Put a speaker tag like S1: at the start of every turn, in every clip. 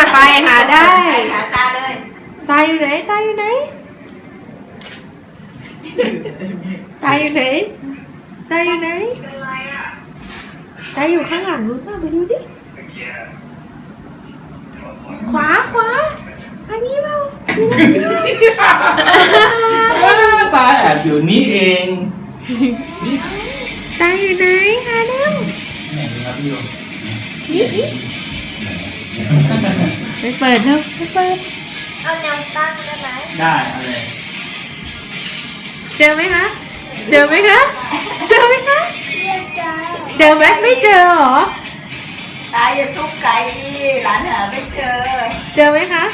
S1: ไปหาได้
S2: หาตาเลย
S1: ตาอยู่ไหนตาอยู่ไหนตาอยู่ไหนตาอยู่ไหน
S2: เป็นไรอ่ะ
S1: ตาอยู่ข้างหลังนู้นป่ะไปดูดิขวาอันนี้เปล่า
S3: ตาแอบอยู่นี่เองนี่
S1: ตาอยู่ไหนหาเร็ว
S3: ไหนครับพี่โย
S1: นี่ไปเปิดเถอะไปเปิด
S2: เอาแนวตั้งได้ไหม
S3: ได้เอาเลย
S1: เจอไหมคะเจอไหมคะเจอไหมคะ
S2: เจอ
S1: เจอไหมไม่เจอเหรอ
S2: ตาอย่าซุกไก่ดิหลานหาไม่เจอ
S1: เจอไหมคะ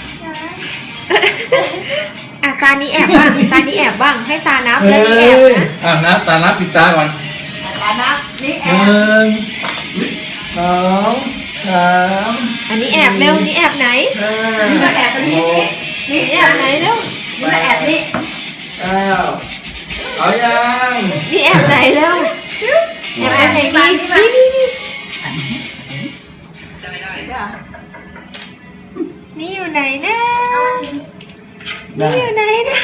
S1: อ่ะตานี้แอบบ้างตานี้แอบบ้างให้ตานับแล้วนี่แอบนะ
S3: นับตานับปิดตาก่อน
S2: ตานับนี่แอ
S3: ห
S2: บ
S3: นึ่งสองสาม
S1: อันนี้แอบเร็วนี่แอบไหน
S3: ห้า
S2: นี่มาแอบตรงนี้นี่
S1: นี่แอบไหนเร็ว
S2: นี่มาแอบนี่
S3: เก้าเอายัง
S1: นี่แอบไหนเร็วแอบไหนนี่นี่อยู่ไหนนะนี่อยู่ไหนนะ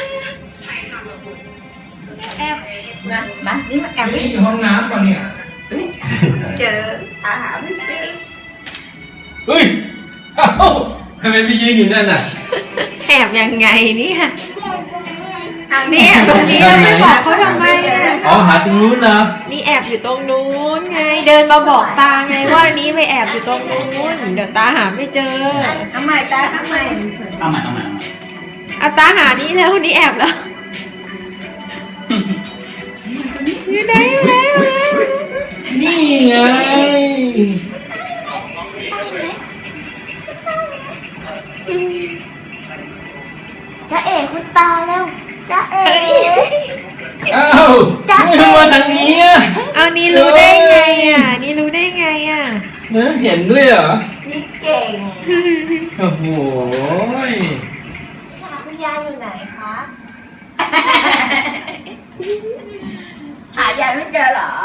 S1: แอบ
S2: มานี่มาแอบ
S3: นี่
S2: นี่
S3: อยู่ห้องน้ำก่อนเนี่ย
S2: เจอตาหาไม่เจอ
S3: เฮ้ยเอ้าทำไมพี่ยืนอยู่นั่นน่ะ
S1: แอบยังไงเนี่ยนี่แอบตรงนี้แล้วไม่บอกเขาทำไมอ่ะ
S3: อ๋อหาตรงนู้นนะ
S1: นี่แอบอยู่ตรงนู้นไง เดินมาบอกตาไงว่านี้ไปแอบอยู่ตรงนู้นเดี๋ยวตาหาไม่เจอ
S2: ทำไมตาทำไม
S3: เอาใหม่
S1: เอาตาหานี่แล้วนี่แอบแล้วอยู่ไหนอยู่ไหนอยู่ไหน
S3: นี่ไง
S2: จ้าเอ๋คุณตาแล้วจ้าเอ๋
S3: เอ้าไม่มาทางนี้อ่ะ
S1: เอานี่รู้ได้ไงอ่ะนี่รู้ได้ไงอ่ะ
S3: เห็นด้วยเหรอ
S2: นี่เก่ง
S3: โอ้โห
S2: คุณยายอยู่ไหนคะ หายายไม่เจอเหรอ